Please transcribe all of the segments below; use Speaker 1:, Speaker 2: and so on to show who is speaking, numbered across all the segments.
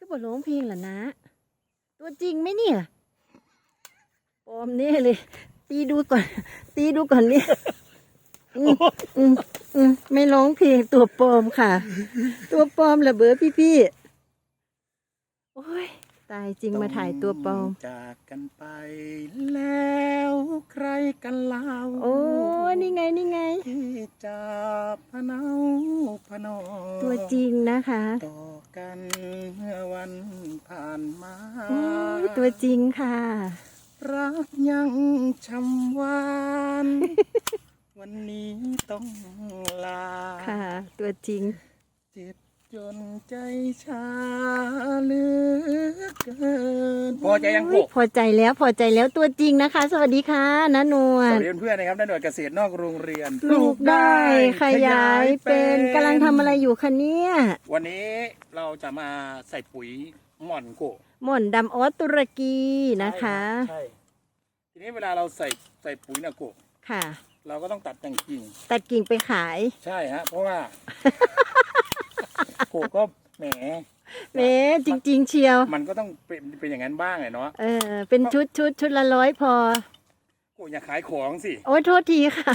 Speaker 1: บ่ร้องเพลงเหรอนะตัวจริงไหมเนี่ยปลอมแน่เลย ตีดูก่อนตีดูก่อนเนี่ยไม่ร้องเพลงตัวปลอมค่ะ ตัวปลอมเหรอเบอพี่โอ้ยตายจริงมาถ่ายตัวปลอม
Speaker 2: จากกันไปแล้วใครกันเล่า
Speaker 1: โอ้นี่ไง
Speaker 2: ที่จะพะเนาพะนอ
Speaker 1: ตัวจริงนะคะ
Speaker 2: ต่อกันเมื่อวันผ่านมา
Speaker 1: โอ้ยตัวจริงค่ะ
Speaker 2: รักยังช้ำหวาน วันนี้ต้องลา
Speaker 1: ค่ะตัวจริง
Speaker 2: เจ็บจนใจชาเหลือเกินพอใจยังพ
Speaker 1: อใจแล้วตัวจริงนะคะสวัสดีค่ะน้าหนวด
Speaker 2: สวัสดีเพื่อนนะครับน้าหนวดเกษตรนอกโรงเรียน
Speaker 1: ปลูกได้ขยายเป็นกำลังทำอะไรอยู่คะเนี่ย
Speaker 2: วันนี้เราจะมาใส่ปุ๋ยหม่อนโก
Speaker 1: หม่อนดำออสตุรกีนะคะ
Speaker 2: ใช่ทีนี้เวลาเราใส่ปุ๋ยนะโก
Speaker 1: ค่ะ
Speaker 2: เราก็ต้องตัดแต่งกิ่ง
Speaker 1: ไปขาย
Speaker 2: ใช่ฮะเพราะว่าโกก็แหม
Speaker 1: จริงๆเชียว
Speaker 2: มันก็ต้องเป็นอย่างนั้นบ้างไงเนาะ
Speaker 1: เป็นชุดละ100พอ
Speaker 2: โกอย่าขายของสิ
Speaker 1: โอ้ยโทษทีค่ะ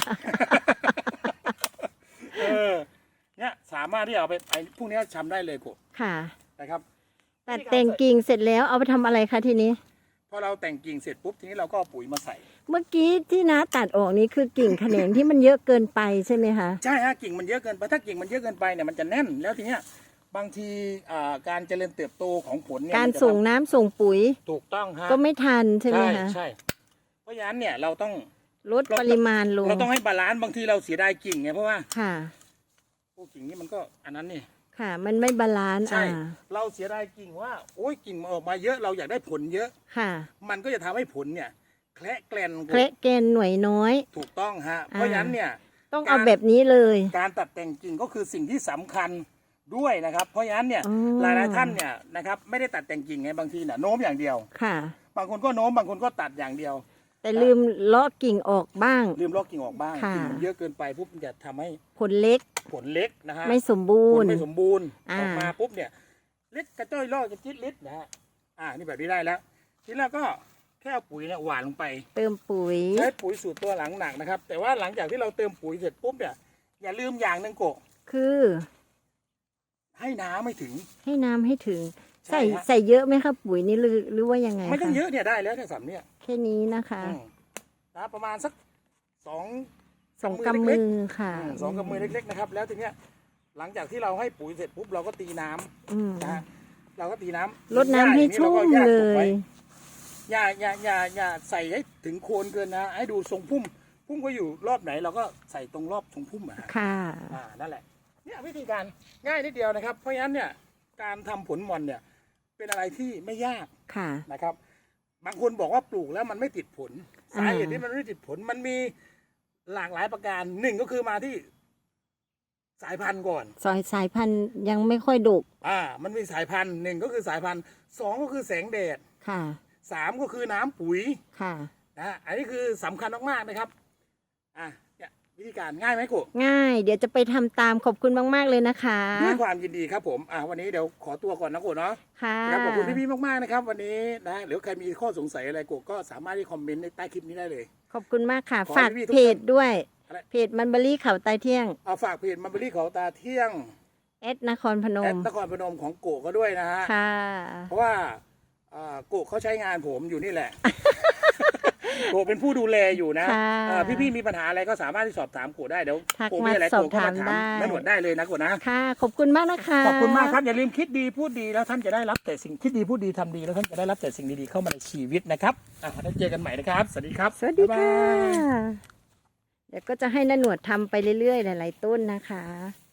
Speaker 2: เนี่ยสามารถที่เอาไปพวกนี้ทำได้เลยโก
Speaker 1: ค่ะ
Speaker 2: นะครับ
Speaker 1: ตัดแต่งกิ่งเสร็จแล้วเอาไปทำอะไรคะทีนี้
Speaker 2: พอเราแต่งกิ่งเสร็จปุ๊บทีนี้เราก็เอาปุ๋ยมาใส่
Speaker 1: เมื่อกี้ที่น้าตัดออกนี้คือกิ่งแขนงที่มันเยอะเกินไปใช่ไหมคะ
Speaker 2: ใช่ฮะกิ่งมันเยอะเกินไปถ้ากิ่งมันเยอะเกินไปเนี่ยมันจะแน่นแล้วทีเนี้ยบางทีการเจริญเติบโตของผลเนี่ย
Speaker 1: การส่งน้ำส่งปุ๋ย
Speaker 2: ถูกต้องฮะ
Speaker 1: ก็ไม่ทันใช่ไหมคะ
Speaker 2: ใช่เพราะฉะนั้นเนี่ยเราต้อง
Speaker 1: ลดปริมาณลง
Speaker 2: เราต้องให้บาลานซ์บางทีเราเสียดายกิ่งไงเพราะว่า
Speaker 1: ค่ะ
Speaker 2: พวกกิ่งนี้มันก็อันนั้นนี่
Speaker 1: ค่ะมันไม่บาลานซ์
Speaker 2: ใช่เราเสียดายกิ่งว่าโอ้ยกิ่งออกมาเยอะเราอยากได้ผลเยอะ
Speaker 1: ค่ะ
Speaker 2: มันก็จะทำให้ผลเนี่ยแคละแกลน
Speaker 1: หน่วยน้อย
Speaker 2: ถูกต้องฮะเพราะฉะนั้นเนี่ย
Speaker 1: ต้องเอาแบบนี้เลย
Speaker 2: การตัดแต่งกิ่งก็คือสิ่งที่สำคัญด้วยนะครับเพราะฉะนั้นเนี่ยหลายท่านเนี่ยนะครับไม่ได้ตัดแต่งกิ่งไงบางทีเนี่ยโน้มอย่างเดียว
Speaker 1: ค่ะ
Speaker 2: บางคนก็โน้มบางคนก็ตัดอย่างเดียว
Speaker 1: แต่ลืมเลาะกิ่งออกบ้าง
Speaker 2: ลืมเลาะกิ่งออกบ้างกิ่งมันเยอะเกินไปปุ๊บจะทำให้
Speaker 1: ผลเล็ก
Speaker 2: นะฮะ
Speaker 1: ไม่สมบูรณ์
Speaker 2: ออกมาปุ๊บเนี่ยเล็กกระจ้อยลอกกระจิตลิดนะฮะนี่แบบนี้ได้แล้วทีนี้เราก็แค่เอาปุ๋ยเนี่ยหว่านลงไป
Speaker 1: เติมปุ๋ย
Speaker 2: ใช้ปุ๋ยสูตรตัวหลังหนักนะครับแต่ว่าหลังจากที่เราเติมปุ๋ยเสร็จปุ๊บเนี่ยอย่าลืมอย่างหนึ่งโก
Speaker 1: คือ
Speaker 2: ให้น้ำไม่ถึง
Speaker 1: ใส่เยอะไหมครับปุ๋ยนี่หรือว่ายังไง
Speaker 2: ไม่ต้องเยอะเนี่ยได้แล้วเนี่ยสำเนี่ย
Speaker 1: แค่นี้นะคะ
Speaker 2: ประมาณสักสอง
Speaker 1: กำมือค่ะ
Speaker 2: 2 กำมือเล็กๆนะครับแล้วทีเนี้ยหลังจากที่เราให้ปุ๋ยเสร็จปุ๊บเราก็ตีน้ำนะเราก็ตีน้ำ
Speaker 1: รดน้ำให้ชุ่มเลย
Speaker 2: อย่าใส่ให้ถึงโคนเกินนะให้ดูทรงพุ่มก็อยู่รอบไหนเราก็ใส่ตรงรอบทรงพุ่ม
Speaker 1: ค่ะ
Speaker 2: นั่นแหละเนี่ยวิธีการง่ายนิดเดียวนะครับเพราะฉะนั้นเนี่ยการทำผลหม่อนเนี่ยเป็นอะไรที่ไม่ยากนะครับบางคนบอกว่าปลูกแล้วมันไม่ติดผลสาเหตุที่มันไม่ติดผลมันมีหลากหลายประการหนึ่งก็คือมาที่สายพันธุ์ก่อน
Speaker 1: สายพันธุ์ยังไม่ค่อยดก
Speaker 2: มันมีสายพันธุ์หนึ่งก็คือสายพันธุ์2ก็คือแสงแดด
Speaker 1: ค่ะ
Speaker 2: 3ก็คือน้ำปุ๋ย
Speaker 1: ค่ะ
Speaker 2: อันนี้คือสำคัญมากๆนะครับเนี่ยวิธีการง่ายไหมครู
Speaker 1: ง่ายเดี๋ยวจะไปทำตามขอบคุณมากๆเลยนะคะ
Speaker 2: ด้วยความยินดีครับผมวันนี้เดี๋ยวขอตัวก่อนนะครูเนาะ
Speaker 1: ค่ะ
Speaker 2: ขอบคุณพี่ๆมากๆนะครับวันนี้นะหรือใครมีข้อสงสัยอะไรครูก็สามารถที่คอมเมนต์ในใต้คลิปนี้ได้เลย
Speaker 1: ขอบคุณมากค่ะฝากเพจด้วยเพจมันเบอรี่เขาตาเที่ยง
Speaker 2: ฝากเพจมันเบอรี่เขาตาเที่ยง
Speaker 1: นครพนม
Speaker 2: ของโกก็ด้วยนะฮะ
Speaker 1: ค่ะ
Speaker 2: เพราะว่าโกเขาใช้งานผมอยู่นี่แหละโกเป็นผู้ดูแลอยู่นะพี่มีปัญหาอะไรก็สามารถที่สอบถามโกได้เดี๋ยว
Speaker 1: โกมีอะไรโกก็มาถาม
Speaker 2: น้าหนวดได้เลยนะโกนะ
Speaker 1: ค่ะขอบคุณมากนะคะ
Speaker 2: ขอบคุณมากครับอย่าลืมคิดดีพูดดีแล้วท่านจะได้รับแต่สิ่งคิดดีพูดดีทำดีแล้วท่านจะได้รับแต่สิ่งดีๆเข้ามาในชีวิตนะครับแล้วเจอกันใหม่นะครับสวัสดีครับ
Speaker 1: สวัสดีค่ะเดี๋ยวก็จะให้น้าหนวดทำไปเรื่อยๆหลายๆต้นนะคะ